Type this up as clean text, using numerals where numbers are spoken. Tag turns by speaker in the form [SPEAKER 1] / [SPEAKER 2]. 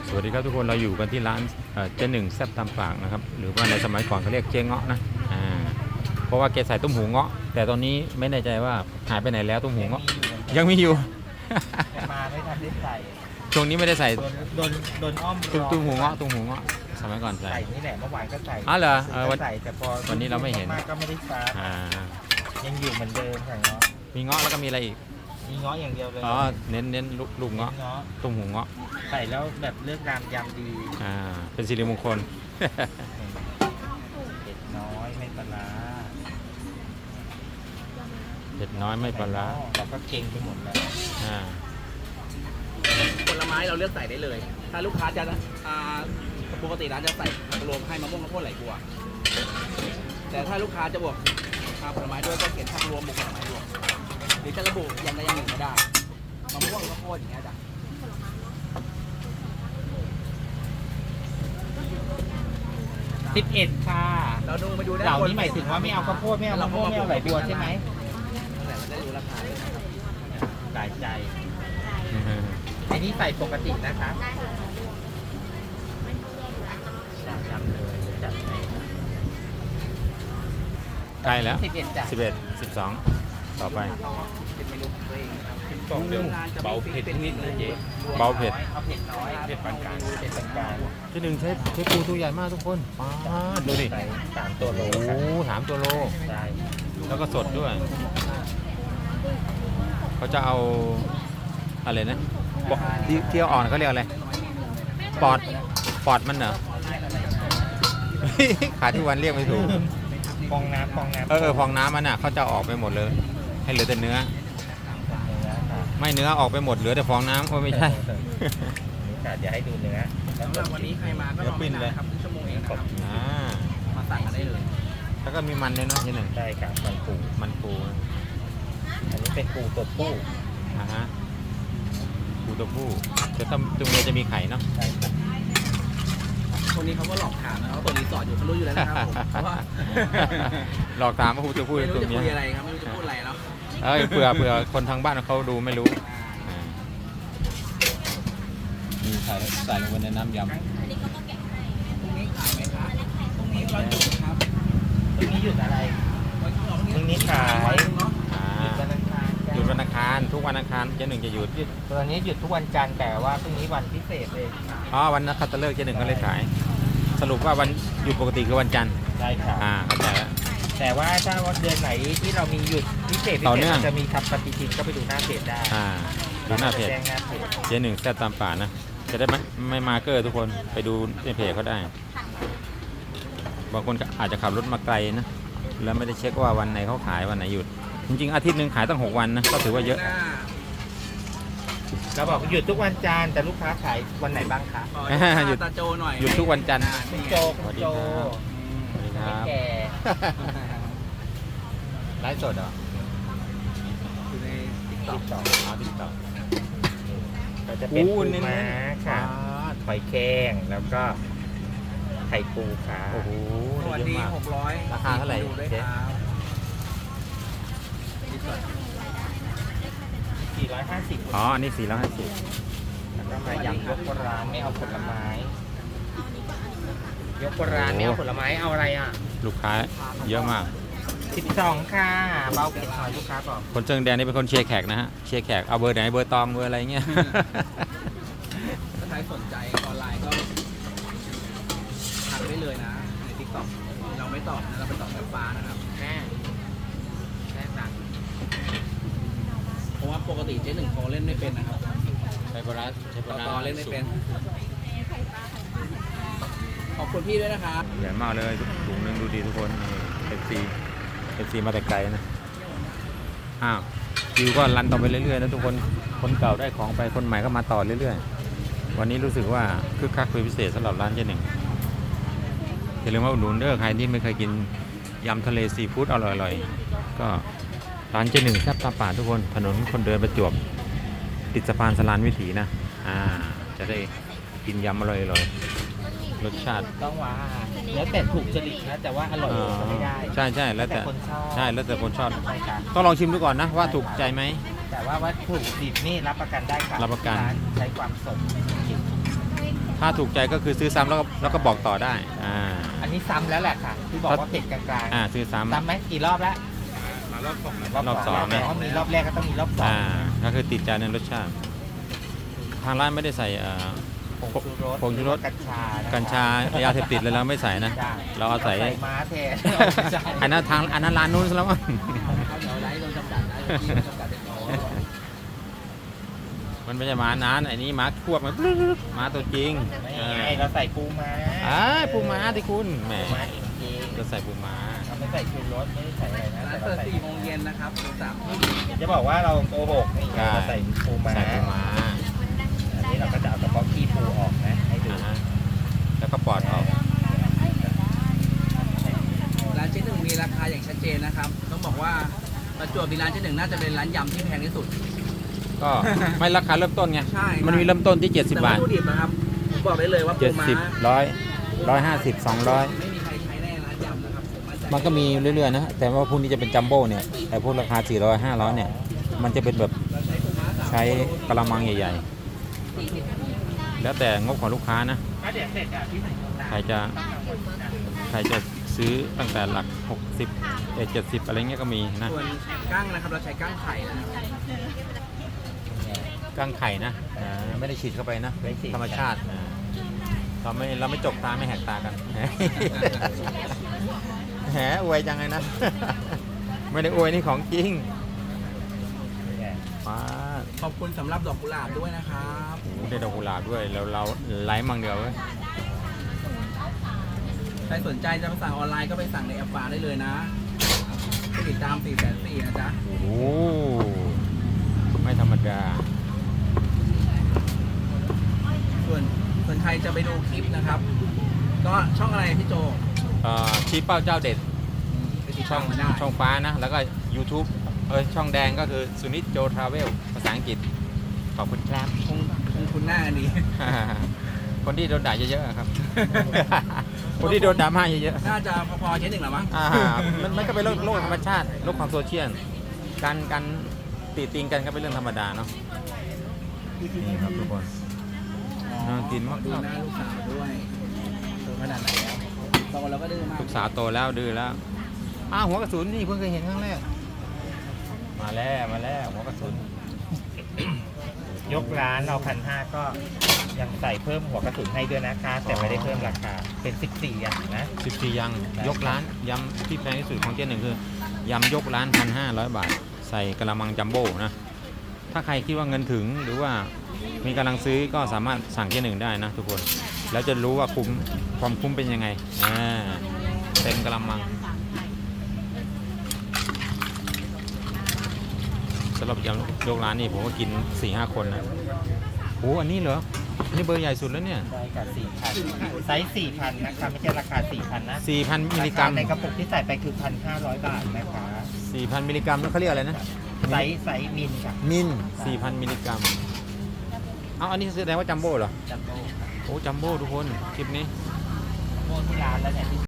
[SPEAKER 1] สวัสดีครับทุกคนเราอยู่กันที่ร้านเจ๊หนึ่งแซ่บตามปากนะครับหรือว่าในสมัยก่อนเขาเรียกเจ๊เงาะนะเพราะว่าแกใส่ตุ้มหูเงาะแต่ตอนนี้ไม่แน่ใจว่าหายไปไหนแล้วตุ้มหูเงาะยังมีอยู่
[SPEAKER 2] มาไม่ทันได้ใส่
[SPEAKER 1] ช่วงนี้ไม่ได้ใส่
[SPEAKER 2] โดนอ้อม
[SPEAKER 1] ตุ้มหูเงาะตุ้มหูเงาะสมัยก่อนใส่
[SPEAKER 2] ใส่นี่แหละเมื่อวานก็ใส่
[SPEAKER 1] อ๋อเหรอ
[SPEAKER 2] ก็ใส่แต่พอ
[SPEAKER 1] วันนี้เราไม่เห็น
[SPEAKER 2] มากก็ไม่ได้ซักยังอยู่เหมือนเดิมใส่เงาะ
[SPEAKER 1] มีเงาะแล้วก็มีอะไรอีก
[SPEAKER 2] มีเงาะอย่างเดียวเลย
[SPEAKER 1] อ๋อเน้นลูกเงาะ
[SPEAKER 2] เงาะ
[SPEAKER 1] ตุ้มหูเงาะ
[SPEAKER 2] ใส่แล้วแบบเลือกรามยำดี
[SPEAKER 1] เป็นสิริมงคล
[SPEAKER 2] เผ็ดน้อยไม่ปลาร้า
[SPEAKER 1] เผ็ดน้อยไม่ปลาร้า
[SPEAKER 2] เราก็เก่งไปหมดแล้ว
[SPEAKER 3] ผลไม้เราเลือกใส่ได้เลย ถ้าลูกค้าจะปกติร้านจะใส่ผักรวมให้มะม่วงข้าวโพดไหลบัว แต่ถ้าลูกค้าจะบวกผลไม้ด้วยก็เขียนผักรวมบวกผลไม้รวมหรือจะระบุอย่างใดอย่างหนึ่งก็ได้มะม่วงข้าวโพดอย่างเงี้ยจ้ะ
[SPEAKER 2] 11ค่ะ
[SPEAKER 3] เราดูมาดูได้
[SPEAKER 2] เหล่านี้หมายถึงว่าไม่เอาข้าวโพดไม่เอามะม่วงไม่เอาไหลบัวใช่ไหม
[SPEAKER 3] แต่เราได้รู้ราคาเลยนะครับ
[SPEAKER 2] หลายใจอันนี้ใส่ปกตินะคะจำเลยจัดให้
[SPEAKER 1] ใกล้แล้ว
[SPEAKER 2] 11จ้ะ
[SPEAKER 1] 11 12ต่อไป
[SPEAKER 3] เป็นเมนูของตัวเองนะครับ
[SPEAKER 2] กล่องเดิม
[SPEAKER 3] เบาเผ็ดนิดนะเจ๊
[SPEAKER 1] เบาเผ็ด
[SPEAKER 2] เอาเผ็ดน้อยเผ็ดปานกลางเผ็ดปานกลาง
[SPEAKER 1] เจ๊หนึ่งใช้ปูตัวใหญ่มากทุกคนดูดิ
[SPEAKER 2] ใส่3ตัวโล
[SPEAKER 1] โอ้
[SPEAKER 2] ครับ
[SPEAKER 1] โห3 ตัวโล
[SPEAKER 2] ใช่
[SPEAKER 1] แล้วก็สดด้วย เขาจะเอาอะไรนะเที่ยวอ่อนเขาเรียกอะไร ปอดมันเหรอ ขาที่วันเรียกไม่ถูก
[SPEAKER 2] ฟองน้ำ
[SPEAKER 1] ฟองน้ำมันอ่ะเขาจะเอาออกไปหมดเลย ให้เหลือแต่เนื้อ ไม่เนื้อออกไปหมดเหลือแต่ฟองน้ำโอ้ไม่ใช่
[SPEAKER 2] นี่ค่ะเดี๋ยวให้ดูเนื้อ
[SPEAKER 3] สำหรับวันนี้ใครมาก็รอไม่นานครับครึ่งชั่วโมงเองนะครับ มาสั่งกันได้เลย
[SPEAKER 1] แล้วก็มีมันด้วยเนาะทีหนึ่ง
[SPEAKER 2] ใช่ครับมันปู อันนี้เป็นปูตัวผู้
[SPEAKER 1] ปูตัวผู้แต่ถ้าตัวเมียจะมีไข่เนาะ
[SPEAKER 2] ใช่ครับ
[SPEAKER 3] คนนี้เขาก็หลอกถามนะครับเปิดรีสอร์ทอยู่เขารู้อยู่แล้วนะครับผมเพราะว่า
[SPEAKER 1] หลอกถามว่าปูตัวผู้
[SPEAKER 3] ไม่
[SPEAKER 1] หรือ
[SPEAKER 3] รู้
[SPEAKER 1] ตัว
[SPEAKER 3] จะ
[SPEAKER 1] เมีย
[SPEAKER 3] คุยอะไรครับไม่รู้จะพูดอะไรเนาะ
[SPEAKER 1] เผื่อคนทางบ้านเขาดูไม่รู้มีใส่ลงไปในน้ำยำ
[SPEAKER 3] พรุ่งนี้ขายไหมครับพรุ่งนี้วันหยุดครับ
[SPEAKER 2] ตรงนี้หยุดอะไร พรุ่งนี้ขาย
[SPEAKER 3] เนาะ
[SPEAKER 2] หยุดวันอังคาร
[SPEAKER 1] หยุดวันอังคารทุกวันอังคารเจ๊หนึ่งจะหยุด
[SPEAKER 2] ตอนนี้หยุดทุกวันจันทร์แต่ว่าพรุ่งนี้วันพิเศษเลย
[SPEAKER 1] วันนักขัตฤกษ์เจ๊หนึ่งก็เลยขาย สรุปว่าวันหยุดปกติคือวันจันทร์
[SPEAKER 2] ใช่ครับ
[SPEAKER 1] เข้าใจแล้ว
[SPEAKER 2] แต่ว่าถ้าวันเดือนไหนที่เรามีหยุดพิเศษ
[SPEAKER 1] ต่อเนื่อง
[SPEAKER 2] จะมีทำปฏิทินก็ไปดูหน้าเพจได้
[SPEAKER 1] ดูหน้าเพจ
[SPEAKER 2] แจ้งหน้าเพจ
[SPEAKER 1] เจ๊หนึ่งแซ่บตามป่านะจะได้ไม่มาเกอร์ทุกคนไปดูในเพจเขาได้ บางคนก็อาจจะขับรถมาไกลนะแล้วไม่ได้เช็คว่าวันไหนเขาขายวันไหนหยุด จริงๆอาทิตย์หนึ่งขายตั้ง6 วันนะก็ถือว่าเยอะ
[SPEAKER 2] เราบอกหยุดทุกวันจันทร์แต่ลูกค้าขายวันไหนบ้างคะ
[SPEAKER 1] หยุด
[SPEAKER 3] ตาโจหน่อย
[SPEAKER 1] หยุดทุกวันจันทร์
[SPEAKER 2] คุณโจ
[SPEAKER 1] สวัสดี
[SPEAKER 2] โจ
[SPEAKER 1] ครับสวัสดีครับ
[SPEAKER 2] แก่
[SPEAKER 1] ไลฟ์สดเหรอ
[SPEAKER 3] อยู่ในติ๊กต็
[SPEAKER 2] ติ
[SPEAKER 3] อก
[SPEAKER 2] ดต่อ
[SPEAKER 1] ติ๊กต็อก
[SPEAKER 2] ก็จะเป็นปู
[SPEAKER 1] เน้น
[SPEAKER 2] ม้า
[SPEAKER 1] ๆ
[SPEAKER 2] ค่ะหอยแครงแล้วก็ไข่ปูค่ะ
[SPEAKER 1] โอ้โห
[SPEAKER 3] สวัส
[SPEAKER 1] เย
[SPEAKER 3] ดี
[SPEAKER 1] อะมาก
[SPEAKER 3] 600
[SPEAKER 1] ราคาเท่าไหร่
[SPEAKER 3] ดูด้วย
[SPEAKER 1] เจ๊
[SPEAKER 3] ครับรีสอร์ท
[SPEAKER 2] 450
[SPEAKER 1] อันนี้450
[SPEAKER 2] แล้วก็มายำยกร้านไม่เอาผลไม้ ยกร้านไม่เอาผลไม้เอาอะไรอ่ะ
[SPEAKER 1] ลูกค้าเยอะมาก
[SPEAKER 2] 12ค่ะเบาเผ็ดหน่อยลูกค้าบอก
[SPEAKER 1] คนเชิงแดงนี่เป็นคนเชียร์แขกนะฮะเชียร์แขกเอาเบอร์ไหนเบอร์ตองเบอร์อะไรเงี้ย
[SPEAKER 3] ถ้าใครสนใจออนไลน์ก็ทักได้เลยนะในติ๊กต็อกเราไม่ตอบนะเราไปตอบแบบฟ้านะครับ
[SPEAKER 2] แม่สั่ง
[SPEAKER 3] เพราะว่าปกติเจ๊หนึ่งเขาเล่นไม่เป็นนะครับ
[SPEAKER 1] ใช้ปลาร้าใช้ปลาร้า
[SPEAKER 3] ต่อเล่นไม่เป็น ขอบคุณพี่ด้วยนะครับ
[SPEAKER 1] ใหญ่มากเลยถุงหนึงดูดีทุกคนเอฟซีมาแต่ไกลนะคิวก็รันต่อไปเรื่อยๆนะทุกคนคนเก่าได้ของไปคนใหม่ก็มาต่อเรื่อยๆวันนี้รู้สึกว่าคึกคักเป็นพิเศษสำหรับร้านเจ๊หนึ่งอย่าลืมว่าอุดหนุนเด้อใครที่ไม่เคยกินยำทะเลซีฟู้ดอร่อยๆก็ร้านเจ๊หนึ่งแซ่บตามป่าทุกคนถนนคนเดินประจวบติดสะพานสลานวิถีนะจะได้กินยำอร่อยๆรสชาติ
[SPEAKER 2] ต้องว่าแล้วแต่ถูกจริตนะแต่ว่าอร่อยก็ไม่ได้
[SPEAKER 1] ใช่แล้วแต่
[SPEAKER 2] คนชอบ
[SPEAKER 1] ใช่แล้วแต่คนชอบ
[SPEAKER 2] ใช่ค่ะ
[SPEAKER 1] ต้องลองชิมดูก่อนนะว่าถูกใจไหม
[SPEAKER 2] แต่ว่าวัตถุดิบนี่รับประกันได้ค่ะ
[SPEAKER 1] รับประกัน
[SPEAKER 2] านใช้ความสดจริง
[SPEAKER 1] ถ้าถูกใจก็คือซื้อซ้ำแล้วก็บอกต่อได้
[SPEAKER 2] อันนี้ซ้ำแล้วแหละค่ะที่บอกว่าเผ็ดกลางๆ
[SPEAKER 1] ซื้อซ้ำ
[SPEAKER 2] ซ้ำไหมกี่รอบแล้ว
[SPEAKER 3] มารอบสองนะ
[SPEAKER 1] รอบสอง
[SPEAKER 2] เพราะมีรอบแรกก็ต้องมีรอบสอง
[SPEAKER 1] ก็คือติดใจในรสชาติ ทางร้านไม่ได้ใส่ผงชูรส
[SPEAKER 2] กัญชานะคะ
[SPEAKER 1] กัญชายาเสพติดเลยเราไม่ใส่นะ
[SPEAKER 2] ใช่
[SPEAKER 1] เราเอาใส่
[SPEAKER 2] ม้าแทน
[SPEAKER 1] อันนั้นร้านนู้นซะแล้วมั้ง
[SPEAKER 3] เดี๋ยวไลฟ์เราจำกัดนะที่เราจำกัดเป็นน้อย
[SPEAKER 1] มันไม่ใช่หมานั้นไอ้นี้หมาควบมันหมาตัวจริง
[SPEAKER 2] ไม่ไงเราใส่ปูม้า
[SPEAKER 1] ปูม้าที่คุณแหม
[SPEAKER 2] ปูม้าจริง
[SPEAKER 1] จะใส่ปูม้า
[SPEAKER 2] ๆเราไม่ใส่ชูรสไม่ได้ใส่อะไรนะ
[SPEAKER 3] ร้าน
[SPEAKER 2] แต่
[SPEAKER 3] เปิ
[SPEAKER 2] เรา
[SPEAKER 3] ด
[SPEAKER 2] ใส่
[SPEAKER 3] 4 โมงเย็นนะครับถึง3 ทุ่ม
[SPEAKER 2] จะบอกว่าเราโกหกนี่เราใส่ปูม้า
[SPEAKER 1] ใส่ปูม้า
[SPEAKER 2] อันนี้เราก็จะเอากระเพาะขี้ปูออกนะให้ดู
[SPEAKER 1] แล้วก็ปอดออก
[SPEAKER 3] ร้านเจ๊หนึ่งมีราคาอย่างชัดเจนนะครับ ต้องบอกว่าประจวบมีร้านเจ๊หนึ่งน่าจะเป็นร้านยำที่แพงที่สุด
[SPEAKER 1] ก็ไม่ราคาเริ่มต้นไง
[SPEAKER 3] ใช่
[SPEAKER 1] มันมีเริ่มต้นที่ 70
[SPEAKER 3] แต่
[SPEAKER 1] บา
[SPEAKER 3] วัต
[SPEAKER 1] ท
[SPEAKER 3] ถุดิบนะครับผมบอกได้เลยว่าปูม้า
[SPEAKER 1] 70 100 150 200
[SPEAKER 3] ไม่มีใครใช้แน่ร้านยำนะครับผมมั่นใจ
[SPEAKER 1] มันก็มีเรื่อยๆนะ แต่ว่าพวกนี้จะเป็นจัมโบ้เนี่ยแต่พวกราคา 400 500 เนี่ย มันจะเป็นแบบ
[SPEAKER 3] เราใช้ปูม้า3
[SPEAKER 1] ใช้กระมังใหญ่ๆ แล้วแต่งบของลูกค้านะ
[SPEAKER 2] ก็เดี๋ยวเสร็จอ่ะที่ใส่น้ำตาล
[SPEAKER 1] ใครจะซื้อตั้งแต่หลัก 60 70 อะไรเงี้ยก็มีนะ
[SPEAKER 3] ส่วนกั้งนะครับเราใช้กั้งไข่นะครับ
[SPEAKER 1] กั้งไข่นะไม่ได้ฉีดเข้าไปนะ
[SPEAKER 2] ไม่ฉีด
[SPEAKER 1] ธรรมชาติเราไม่จกตาไม่แหกตากัน แหมอวยจังเลยนะ ไม่ได้อวยนี่ของจริงป้า
[SPEAKER 3] ขอบคุณสำหรับดอกกุหลาบด้วยนะครับ
[SPEAKER 1] โอ้โหได้ดอกกุหลาบด้วยเราไลฟ์มังเดียวเว้ย
[SPEAKER 3] ใครสนใจจะสั่งออนไลน์ก็ไปสั่งในแอปฟ้าได้เลยนะติดตาม440,000นะจ๊ะ
[SPEAKER 1] โอ้โหไม่ธรรมดา
[SPEAKER 3] ส่วนใครจะไปดูคลิปนะครับ ก็ช่องอะไรพี่โจ
[SPEAKER 1] ชี้เป้าเจ้าเด็ด
[SPEAKER 3] ไปติด
[SPEAKER 1] ช่
[SPEAKER 3] ตา
[SPEAKER 1] อ
[SPEAKER 3] ม
[SPEAKER 1] ง
[SPEAKER 3] มาได้
[SPEAKER 1] ช่องฟ้านะ แล้วก็ YouTube ช่องแดงก็คือสุนิตโจทราเวลภาษาอังกฤษ ขอบคุณครับ
[SPEAKER 3] คงคุ้นหน้ากันดี
[SPEAKER 1] คนที่โดนด่าเยอะๆครับ คนที่โดนดราม่าเยอะ
[SPEAKER 3] น่าจะพอๆเช่นหนึ่งหรอมั้ง
[SPEAKER 1] มันก็เป็นโลกธรรมชาติโลกของโซเชียลการติติงกันก็เป็นเรื่องธรรมดาเนาะนี่ครับทุกคนน่ากินมาก
[SPEAKER 3] ดูหน้าลูกสาวด้วยโตขนาดไหนแล้วโตแล้วก็ดื้อมาก
[SPEAKER 1] ลูกสาวโตแล้วดื้อแล้วหัวกระสุนนี่เพิ่งเคยเห็นครั้งแรกมาแล้วหัวกระสุน
[SPEAKER 2] ยกร้านเรา1,500ก็ยังใส่เพิ่มหัวกระสุนให้ด้วยนะคะ แต่ไม่ได้เพิ่มราคาเป็น14อย่างนะ
[SPEAKER 1] 14ยังยกร้านยำที่แพงที่สุดของเจ๊หนึ่งคือยำยกร้าน 1,500 บาท ใส่กระมังจัมโบ้นะถ้าใครคิดว่าเงินถึงหรือว่ามีกำลังซื้อก็สามารถสั่งเจ๊หนึ่งได้นะทุกคนแล้วจะรู้ว่าความคุ้มเป็นยังไงเต็มกระมังสำหรับยำยกร้านนี่ผมก็กิน 4-5 คนนะโอ้อันนี้เหรออันนี่เบอร์ใหญ่สุดแล้วเนี่ย
[SPEAKER 2] ได้กับ4,000ไซส์4,000นะคะไม่ใช่ราคา 4,000นะ
[SPEAKER 1] 4,000 มิลลิกรัม
[SPEAKER 2] ในกระปุกที่ใส่ไปคือ 1,500 บาทนะคะ
[SPEAKER 1] 4,000 มิลลิกรัมแล้วเขาเรียกอะไรนะ
[SPEAKER 2] ไซส์มิลค่ะ
[SPEAKER 1] มิล 4,000 มิลลิกรัมอันนี้แสดงว่าจัมโบ้เหรอ
[SPEAKER 2] จัมโบ้
[SPEAKER 1] โอ้จัมโบ้ทุกคนคลิปนี้
[SPEAKER 2] โบ้ที่ร้านแล้วเนี่ย